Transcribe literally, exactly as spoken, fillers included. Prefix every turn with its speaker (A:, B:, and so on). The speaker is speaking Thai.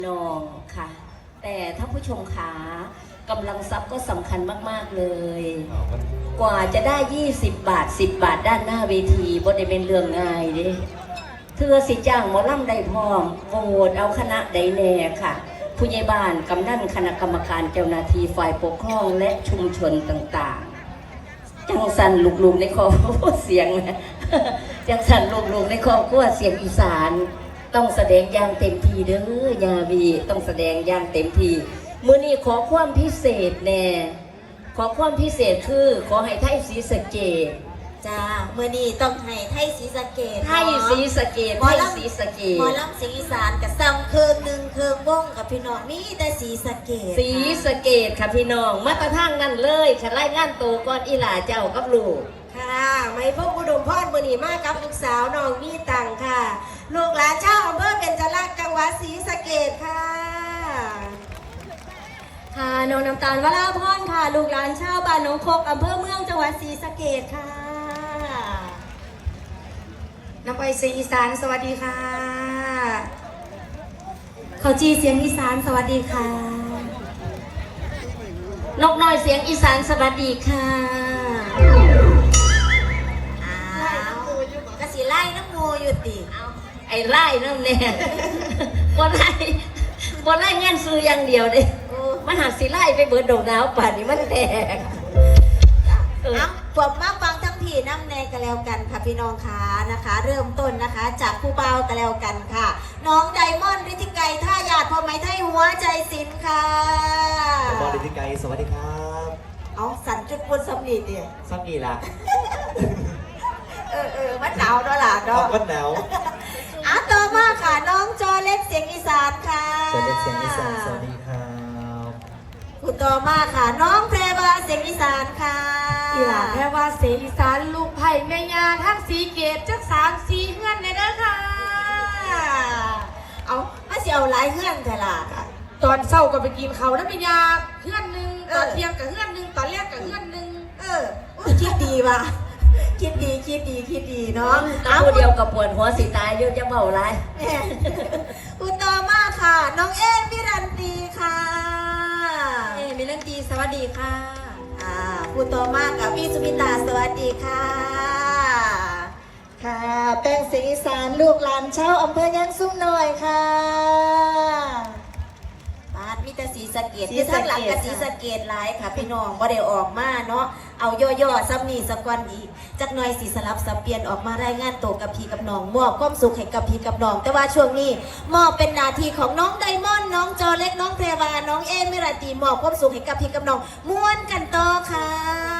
A: น้องค่ะแต่ถ้าผู้ชมขากำลังทรัพย์ก็สำคัญมากๆเลยกว่าจะได้ยี่สิบบาทสิบบาทด้านหน้าเวทีบ่ได้เป็นเรื่องง่ายเด้เธอสิจ้างหมอลำได้พร้อมโหวตเอาคณะใดแน่ค่ะผู้ใหญ่บ้านกำนันคณะกรรมการเจ้าหน้าที่ฝ่ายปกครองและชุมชนต่างๆจังสันลูกๆในครอบครัวเสียงนะจังสันลูกๆในครอบครัวเสียงอีสานต้องแสดงอย่างเต็มที่เด้อยาวีต้องแสดงอย่างเต็มที่มื้อนี้ขอความพิเศษแน่ขอความพิเศษคือขอให้ไทยศรีสะเกษ
B: จ้าเมื่อนี้ต้องให้ไทยศรีสะเกษ
A: ไทยศรีสะเกษไทยศรีสะเกษ
B: หมอลำเสียงอีสานกับซ้ำเคืองหนึ่งเคืองวงกับพี่น้องมีแต่ศรีสะเกษ
A: ศรีสะเกษค่ะพี่น้องมาตรทางนั่นเลยค่ะไล่งานโตก่อนอีหลาเจ้ากับลูก
B: ค่ะไม่พบอุดมพรมื่อนี้มากับลูกสาวน้องมีตังค่ะลูกหลานเจ้าอำเภอเบญจรักษ์จังหวัดศรีสะเกษค่ะค่ะน้องน้ำตาลวราพรค่ะลูกหลานชาวบ้านหนองคกอำเภอเมืองจังหวัดศรีสะเกษค่ะน้ำไปเสียงอีสานสวัสดีค่ะเขาจีเสียงอีสานสวัสดีค่ะ
A: นกน้อยเสียงอีสานสวัสดีค่ะ
B: อ้าวกะสิไล่น้ำโมอยู่ติ
A: เอาไอ้ไล่น้ำเนี่ยบ่ไล่บ่ไล่เงินซื้ออย่างเดียวเด้มันหาสิไล่ไปเบิดดอกดาวป่านนี้มันแตก
B: เอ้าผมมาฟังทั้งพี่น้ำแนงกันแล้วกันค่ะพี่น้องคะนะคะ เริ่มต้นนะคะจากผู้เบากันแล้วกันค่ะน้องไดมอนด์ฤทธิไกรท่าหยาดพอไหมไทยหัวใจสินค่ะ
C: บอลฤทธิไกรสวัสดีครับ
B: เอาสั่นจุดบนสำลีดิ
C: สำลีล่ะ
B: เออเออมันหนาวเนาะล่ะเนาะ
C: มันหนาว
B: อ่ะต่อมาค่ะน้องจอเล็กเสียงอีสานค่ะ
C: จอเล็กเสียงอีสานสวัสดีครับ
B: ผู้ต่อมาค่ะน้องแพรวาเสียงอีสานค่ะ
D: อีหลาแพรวาเสียงอีสานลูกไผ่แม่ยาทั้งสีเกตจักสามสีเฮือนเลยนะค่ะ
B: เอาถ้าสิเอาหลายเฮือนแต่ละค่ะ
D: ตอนเช้าก็ไปกินเขาน้ำแม่ยาเฮือนหนึ่งตอนเที่ยงกับเฮือนหนึ่งตอนแรกกับเฮือนหนึ่ง
B: เออคิดดีว่ะคิดดีคิดดีคิดดีเนาะ
A: เอาเดียวกับปวดหัวสีตายเยอะจะเบาไร
B: อุตอมาค่ะน้องเอ็มพิรันตีค่ะ
D: เอ็มพิรันตีสวัสดีค่ะ
B: อ่าอุตอมากับพี่สุมิตาสวัสดีค่ะค่ะแป้งเสียงอีสานลูกหลานชาวอำเภอยางซุ้มหน่อยค่ะบ้านมีแต่ศรีสะเกษที่ทั้งหลังกับศรีสะเกษหลายค่ะพี่น้องบ่ได้ออกมาเนาะเอาย่อๆซ้ำนี่สักวันอีกจักหน่อยสีสลับสับเปลี่ยนออกมารายงานตัวกับพี่กับน้องมอบความสุขให้กับพี่กับน้องแต่ว่าช่วงนี้มอบเป็นหน้าที่ของน้องไดมอนด์น้องจอเล็กน้องแพรวาน้องเอมิราตีมอบความสุขให้กับพี่กับน้องม้วนกันต่อค่ะ